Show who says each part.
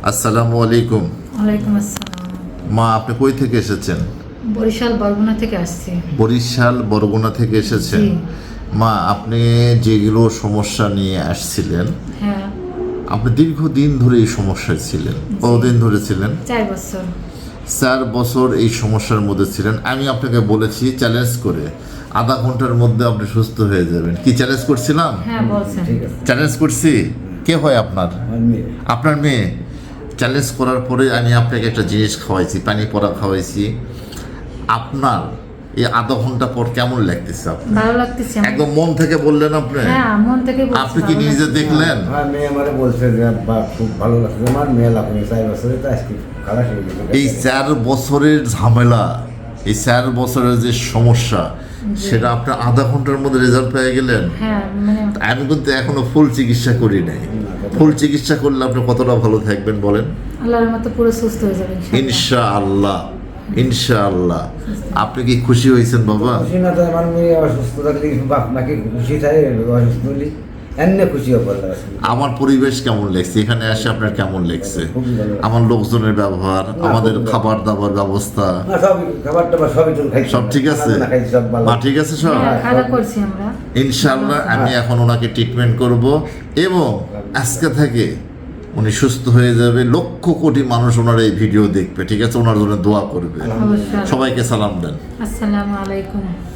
Speaker 1: আসসালামু আলাইকুম।
Speaker 2: ওয়ালাইকুম আসসালাম।
Speaker 1: মা, আপনি কই থেকে এসেছেন?
Speaker 2: বরিশাল বরগুনা থেকে আসছি।
Speaker 1: বরিশাল বরগুনা থেকে এসেছেন।
Speaker 2: জি।
Speaker 1: মা, আপনি যেগুলো সমস্যা নিয়ে আসছিলেন,
Speaker 2: হ্যাঁ,
Speaker 1: আপনি দীর্ঘদিন ধরে এই সমস্যায় ছিলেন। কতদিন ধরে ছিলেন?
Speaker 2: 4 বছর।
Speaker 1: 4 বছর এই সমস্যার মধ্যে ছিলেন। আমি আপনাকে বলেছি চ্যালেঞ্জ করে আধা ঘন্টার মধ্যে আপনি সুস্থ হয়ে যাবেন। কি চ্যালেঞ্জ করছিলাম?
Speaker 2: হ্যাঁ, বলছেন।
Speaker 1: চ্যালেঞ্জ করছি। কে হয় আপনার? আপনার মেয়ে। চ্যালেঞ্জ করার পরে আমি আপনাকে একটা জিনিস খাওয়াইছি, পানি পড়া খাওয়াইছি। আপনার এই আধা ঘন্টা পর কেমন লাগতেছে আপনার?
Speaker 2: ভালো লাগতেছে আমার।
Speaker 1: একদম মন থেকে বললেন আপনি?
Speaker 2: হ্যাঁ, মন থেকে বলছি।
Speaker 1: আপনি কি
Speaker 2: ভালো
Speaker 1: নিজে
Speaker 2: লাগতেছে।
Speaker 1: দেখলেন?
Speaker 3: আমার মেয়ে আমারে বলছে যে আব্বা খুব ভালো লাগছে, আমার মেয়ে লাগবে 4 বছরে তো আজকে খালাস হয়ে গেছে।
Speaker 1: এই 4 বছরের ঝামেলা, এই 4 বছরের যে সমস্যা, সেটা আপনার আধা ঘন্টার মধ্যে রেজাল্ট পেয়ে গেলেন।
Speaker 2: হ্যাঁ, মানে
Speaker 1: আমি কিন্তু এখনো ফুল চিকিৎসা করি নাই। ফুল চিকিৎসা করলে আপনি কতটা ভালো থাকবেন বলেন?
Speaker 2: আল্লাহর মতো পুরো সুস্থ হয়ে যাবে ইনশাআল্লাহ।
Speaker 1: ইনশাআল্লাহ, ইনশাআল্লাহ। আপনি কি খুশি হয়েছেন বাবা?
Speaker 3: খুশি না তো আমার মেয়ে অসুস্থ থাকলে বাপ নাকি খুশি থাকে, অসুস্থ হলে এমনি খুশি হবে আল্লাহ রাসূল।
Speaker 1: আমার পরিবেশ কেমন লাগছে? এখানে এসে আপনার কেমন লাগছে?
Speaker 3: খুবই ভালো লাগছে।
Speaker 1: আমার লোকজনের ব্যবহার, আমাদের খাবার দাবার ব্যবস্থা,
Speaker 3: না সবই খাবার টাবার সবই চল খাইছি,
Speaker 1: সব ঠিক আছে?
Speaker 3: খানা খাইছি সব ভালো।
Speaker 1: মা ঠিক আছে সব?
Speaker 2: হ্যাঁ, খাওয়া করছি আমরা।
Speaker 1: ইনশাআল্লাহ আমি এখন ওনাকে ট্রিটমেন্ট করব এবং আজকে থেকে উনি সুস্থ হয়ে যাবে। লক্ষ কোটি মানুষ ওনার এই ভিডিও দেখবে, ঠিক আছে? ওনার জন্য দোয়া করবে।
Speaker 2: অবশ্যই।
Speaker 1: সবাইকে সালাম দেন।
Speaker 2: আসসালামু আলাইকুম।